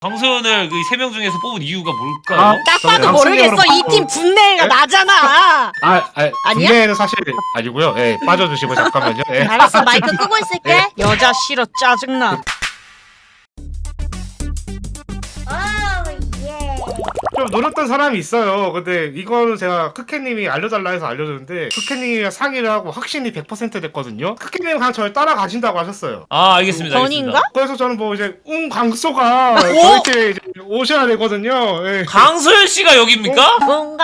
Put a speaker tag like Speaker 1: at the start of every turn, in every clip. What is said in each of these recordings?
Speaker 1: 강소연을 그 3명 중에서 뽑은 이유가 뭘까요?
Speaker 2: 딱 봐도 모르겠어. 이 팀 분내가 나잖아. 아니야?
Speaker 3: 분내는 사실 아니고요. 예, 빠져주시고 잠깐만요. 예.
Speaker 2: 알았어, 마이크 끄고 있을게. 여자 싫어, 짜증나.
Speaker 3: 좀 노렸던 사람이 있어요. 근데 이거는 제가 크케님이 알려달라 해서 알려줬는데 크케님이랑 상의를 하고 확신이 100% 됐거든요. 크케님 그냥 저를 따라가신다고 하셨어요.
Speaker 1: 아 알겠습니다.
Speaker 2: 건인가?
Speaker 3: 그래서 저는 뭐 이제 강소가 저렇게 이제 오셔야 되거든요. 예.
Speaker 1: 강소연 씨가 여기입니까?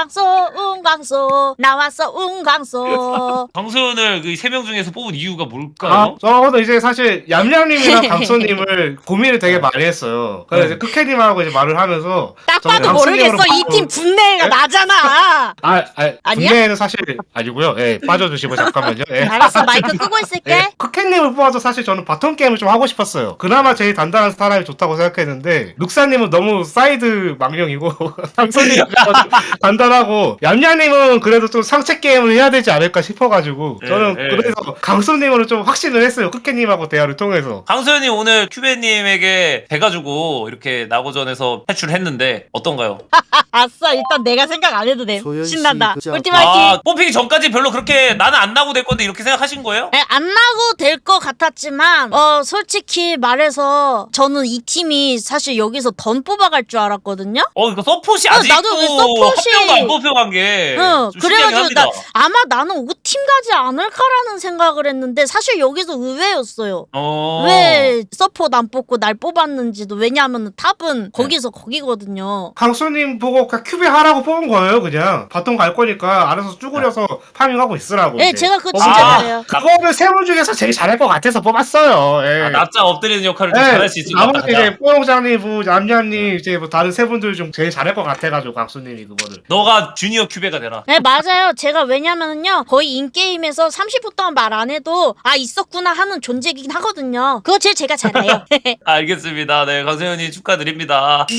Speaker 2: 웅강소 나왔어 웅강소.
Speaker 1: 강소연을 그 3명 중에서 뽑은 이유가 뭘까요?
Speaker 3: 저도 이제 사실 얌얌님이랑 강소님을 고민을 되게 많이 했어요. 그래서 이제 크케님하고 이제 말을 하면서
Speaker 2: 딱
Speaker 3: 저는
Speaker 2: 봐도 모르겠어. 이 팀 분내가 나잖아.
Speaker 3: 분내는 사실 아니고요. 예, 빠져주시고 잠깐만요. 예.
Speaker 2: 알았어, 마이크 끄고 있을게.
Speaker 3: 예, 크케님을 뽑아서 사실 저는 바텀 게임을 좀 하고 싶었어요. 그나마 제일 단단한 사람이 좋다고 생각했는데 룩사님은 너무 사이드 망령이고 강소님은 단단하고 얌얌님은 그래도 좀 상체 게임을 해야 되지 않을까 싶어가지고 저는 그래서 강소님으로 좀 확신을 했어요. 크케님하고 대화를 통해서.
Speaker 1: 강소연이 오늘 큐베님에게 돼가지고 이렇게 나고전에서 탈출했는데 어떤가요?
Speaker 2: 아싸, 일단 내가 생각 안 해도 돼.
Speaker 4: 소연 씨,
Speaker 2: 신난다.
Speaker 4: 그죠?
Speaker 2: 꿀팀 화이팅.
Speaker 1: 아 뽑히기 전까지 별로 그렇게 나는 안 나고 될 건데 이렇게 생각하신 거예요?
Speaker 2: 안 나고 될 것 같았지만 솔직히 말해서 저는 이 팀이 사실 여기서 던 뽑아갈 줄 알았거든요.
Speaker 1: 이거 서폿이 아직도
Speaker 2: 나도 왜 서폿이-
Speaker 1: 한 명도 안 뽑혀간 게
Speaker 2: 응,
Speaker 1: 좀 신기하긴
Speaker 2: 그래가지고
Speaker 1: 합니다.
Speaker 2: 아마 나는 5팀 가지 않을까라는 생각을 했는데 사실 여기서 의외였어요. 왜 서포트 안 뽑고 날 뽑았는지도. 왜냐하면 탑은 거기서 거기거든요.
Speaker 3: 강소님 보고 그냥 큐베 하라고 뽑은 거예요. 그냥 바텀 갈 거니까 알아서 쭈그려서 파밍하고 있으라고.
Speaker 2: 네,
Speaker 3: 이제.
Speaker 2: 제가 그거 진짜 잘해요.
Speaker 3: 그거를 세 분 중에서 제일 잘할 것 같아서 뽑았어요. 예.
Speaker 1: 납작 엎드리는 역할을 좀 잘할 수 있을 것 같다.
Speaker 3: 나머지 이제 뽀용장님, 뭐 얌얌님, 이제 뭐 다른 세 분들 중 제일 잘할 것 같아가지고 강수님이 그거를.
Speaker 1: 너가 주니어 큐베가 되라.
Speaker 2: 네, 맞아요. 제가 왜냐면은요, 거의 인게임에서 30분 동안 말 안 해도, 있었구나 하는 존재이긴 하거든요. 그거 제가 잘해요.
Speaker 1: 알겠습니다. 네, 강소연이 축하드립니다.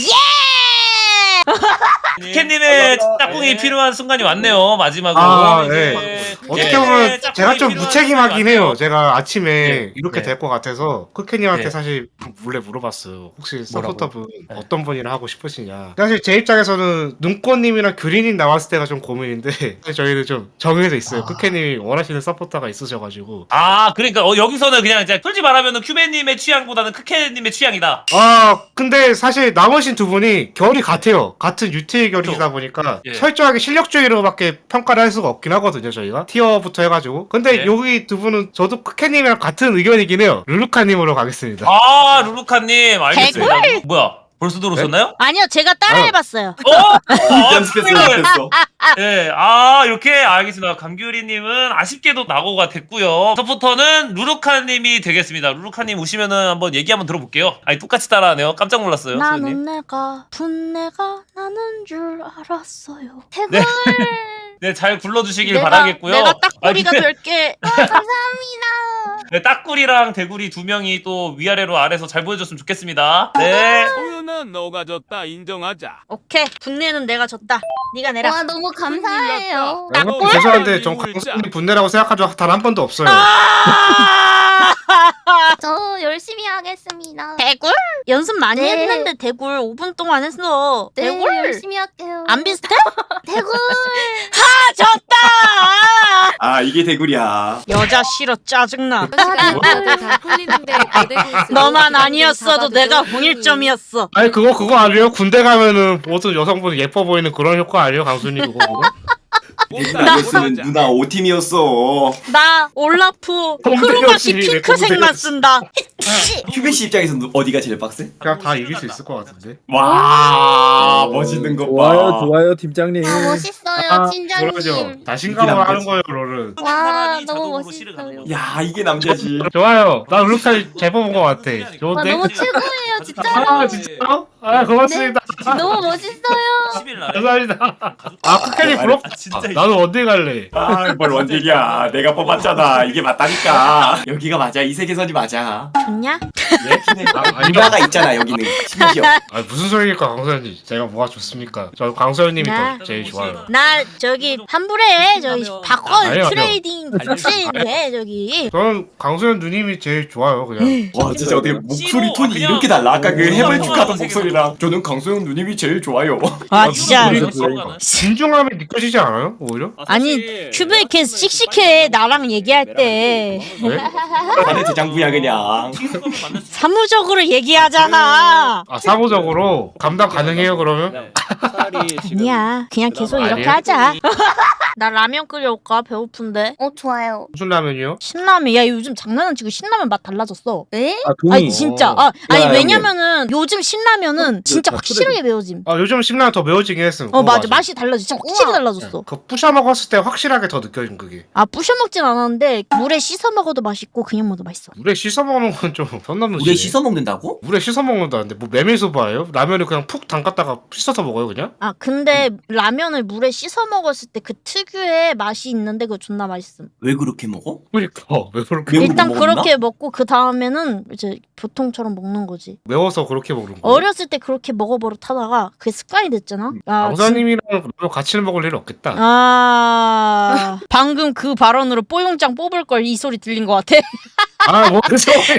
Speaker 2: 예!
Speaker 1: 캔님의 짝꿍이 필요한 순간이 왔네요. 마지막으로.
Speaker 3: 네. 어떻게
Speaker 1: 예,
Speaker 3: 보면
Speaker 1: 짝꿍이
Speaker 3: 제가 좀
Speaker 1: 필요한
Speaker 3: 무책임하긴
Speaker 1: 순간이
Speaker 3: 해요.
Speaker 1: 왔네요.
Speaker 3: 제가 아침에
Speaker 1: 네.
Speaker 3: 이렇게
Speaker 1: 네.
Speaker 3: 될 것 같아서 크케님한테
Speaker 1: 네.
Speaker 3: 사실 몰래 물어봤어요. 혹시
Speaker 1: 뭐라고요?
Speaker 3: 서포터분
Speaker 1: 네.
Speaker 3: 어떤 분이랑 하고 싶으시냐. 사실 제 입장에서는 눈꽃님이랑 규리님 나왔을 때가 좀 고민인데 사실 저희는 좀 정해져 있어요. 크케님이 원하시는 서포터가 있으셔가지고.
Speaker 1: 그러니까 여기서는 그냥 이제 솔직히 말하면 큐베님의 취향보다는 크케님의 취향이다.
Speaker 3: 근데 사실 남으신 두 분이 결이 같아요. 같은 UTA 결이시다 보니까
Speaker 1: 예.
Speaker 3: 철저하게 실력주의로밖에 평가를 할 수가 없긴 하거든요, 저희가. 티어부터 해가지고. 근데
Speaker 1: 예.
Speaker 3: 여기 두 분은 저도 크케님이랑 같은 의견이긴 해요. 룰루카님으로 가겠습니다.
Speaker 1: 루루카님 알겠습니다. 뭐야? 벌써 들어오셨나요?
Speaker 2: 아니요, 제가 따라해봤어요.
Speaker 5: 연습했어.
Speaker 1: 네, 이렇게 알겠습니다. 감귤이님은 아쉽게도 낙오가 됐고요. 서포터는 루루카님이 되겠습니다. 루루카님 오시면은 한번 얘기 한번 들어볼게요. 똑같이 따라하네요. 깜짝 놀랐어요.
Speaker 2: 나는
Speaker 1: 소연님.
Speaker 2: 내가 분내가 나는 줄 알았어요.
Speaker 1: 네. 네, 잘 굴러주시길
Speaker 2: 내가,
Speaker 1: 바라겠고요.
Speaker 2: 내가 딱꼬리가
Speaker 1: 근데
Speaker 2: 될게.
Speaker 1: 네, 딱구리랑 대구리 두 명이 또 위아래로 아래서 잘 보여줬으면 좋겠습니다. 네.
Speaker 6: 소연아 너가 졌다 인정하자.
Speaker 2: 오케이, 분내는 내가 졌다. 네가 내라.
Speaker 7: 와 너무 감사해요.
Speaker 3: 여러분 죄송한데 전 강수님 분내라고 생각한 적 단 한 번도 없어요.
Speaker 7: 저 열심히 하겠습니다.
Speaker 2: 대굴? 연습 많이
Speaker 7: 네.
Speaker 2: 했는데 대굴 5분 동안 했어.
Speaker 7: 네,
Speaker 2: 대굴?
Speaker 7: 열심히 할게요.
Speaker 2: 안 비슷해?
Speaker 7: 대굴.
Speaker 2: 졌다!
Speaker 5: 아 이게 대구리야.
Speaker 2: 여자 싫어, 짜증나.
Speaker 8: 다 풀리는데
Speaker 2: 너만 아니었어도 내가 홍일점이었어.
Speaker 3: 아니 그거 아니에요? 군대 가면은 모든 여성분 예뻐 보이는 그런 효과 아니에요? 강수님 그거?
Speaker 5: 대구리 아니었으면 누나 5팀이었어.
Speaker 2: 나 올라프 크로마시 핑크색만 쓴다.
Speaker 5: 휴베 씨 입장에서 어디가 제일 빡세?
Speaker 3: 그냥 다 이길 수 있을 것 같은데.
Speaker 5: 와 멋있는 것 봐.
Speaker 4: 좋아요, 좋아요, 팀장님.
Speaker 7: 아 멋있어요,
Speaker 3: 그러죠.
Speaker 7: 팀장님.
Speaker 3: 자신감으로
Speaker 5: 이게
Speaker 3: 하는
Speaker 5: 남자지.
Speaker 3: 거예요, 롤은.
Speaker 7: 와
Speaker 1: 사람이
Speaker 7: 너무
Speaker 1: 자동으로 실을 가는
Speaker 7: 멋있어요.
Speaker 1: 거죠.
Speaker 5: 야 이게 남자지.
Speaker 3: 좋아요. 나 룰루카 잘 뽑은 것 같아.
Speaker 7: 와
Speaker 3: 좋은데?
Speaker 7: 너무 최고예요, 진짜.
Speaker 3: 진짜요? 고맙습니다.
Speaker 7: 너무 멋있어요.
Speaker 1: 20일 날.
Speaker 3: 감사합니다. 아 쿠케님 부럽.
Speaker 1: 진짜.
Speaker 3: 나는 어디 갈래?
Speaker 5: 아뭘 원딜이야. 내가 뽑았잖아. 이게 맞다니까. 여기가 맞아. 이 세계선이 맞아.
Speaker 2: 좋냐?
Speaker 5: 누나가 있잖아 여기는. 심지어.
Speaker 3: 아 무슨 소리입니까 강소연님? 제가 뭐가 좋습니까? 저 강소연님이
Speaker 2: 나-
Speaker 3: 더 제일 좋아요.
Speaker 2: 나 저기 환불해 저기 바꿔
Speaker 3: 아니요.
Speaker 2: 트레이딩 해 저기.
Speaker 3: 저는 강소연 누님이 제일 좋아요 그냥.
Speaker 5: 와 진짜 어떻게 목소리 톤이
Speaker 1: 그냥-
Speaker 5: 이렇게 달라. 아까 그 해벌 축하던
Speaker 1: 세계관.
Speaker 5: 목소리랑. 저는 강소영 누님이 제일 좋아요.
Speaker 2: 아 진짜.
Speaker 3: 진중함이 느껴지지 않아요? 오히려?
Speaker 2: 아니 큐브에 걔 씩씩해 나랑 얘기할 때
Speaker 3: 왜?
Speaker 5: 나는 대장부야 그냥.
Speaker 2: 사무적으로 얘기하잖아.
Speaker 3: 아 사고적으로 감당 가능해요 그러면?
Speaker 2: 아니야 그냥 계속 이렇게
Speaker 3: 아니에요?
Speaker 2: 하자. 나 라면 끓여올까 배고픈데.
Speaker 7: 좋아요.
Speaker 3: 무슨 라면이요?
Speaker 2: 신라면 야 요즘 장난 안 치고 신라면 맛 달라졌어.
Speaker 7: 에?
Speaker 2: 아니 진짜. 아니
Speaker 5: 야,
Speaker 2: 왜냐면은 요즘 신라면은 진짜 확실하게 매워짐.
Speaker 3: 아 요즘 신라면 더 매워지긴 했음.
Speaker 2: 어 맞아 맛이 달라져. 진짜 확실히
Speaker 7: 우와.
Speaker 2: 달라졌어.
Speaker 3: 그 부셔 먹었을 때 확실하게 더 느껴진 그게.
Speaker 2: 아 부셔 먹진 않았는데 물에 씻어 먹어도 맛있고 그냥 먹어도 맛있어.
Speaker 3: 물에 씻어 먹는 건 좀 선 넘는
Speaker 5: 물에
Speaker 3: 짓이네.
Speaker 5: 씻어 먹는다고?
Speaker 3: 물에 씻어 먹는다는데 뭐 메밀소바예요? 라면을 그냥 푹 담갔다가 씻어서 먹어요 그냥?
Speaker 2: 아 근데 라면을 물에 씻어 먹었을 때 그 특유의 맛이 있는데 그거 존나 맛있음.
Speaker 5: 왜 그렇게 먹어?
Speaker 3: 그러니까 왜 그렇게
Speaker 5: 매운 거
Speaker 2: 일단
Speaker 5: 못 먹었나?
Speaker 2: 그렇게 먹고 그 다음에는 이제 보통처럼 먹는 거지.
Speaker 3: 매워서 그렇게 먹는 거예요?
Speaker 2: 어렸을 때 그렇게 먹어버릇 하다가 그게 습관이 됐잖아. 아,
Speaker 3: 강사님이랑 라면 같이 먹을 일 없겠다.
Speaker 2: 아 방금 그 발언으로 뽀용장 뽑을 걸 이 소리 들린 것 같아.
Speaker 3: 아 무슨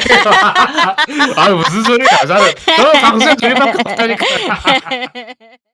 Speaker 3: 소리야? 아 무슨 소리야? 저는 강수현 둘이밖에 없다니까.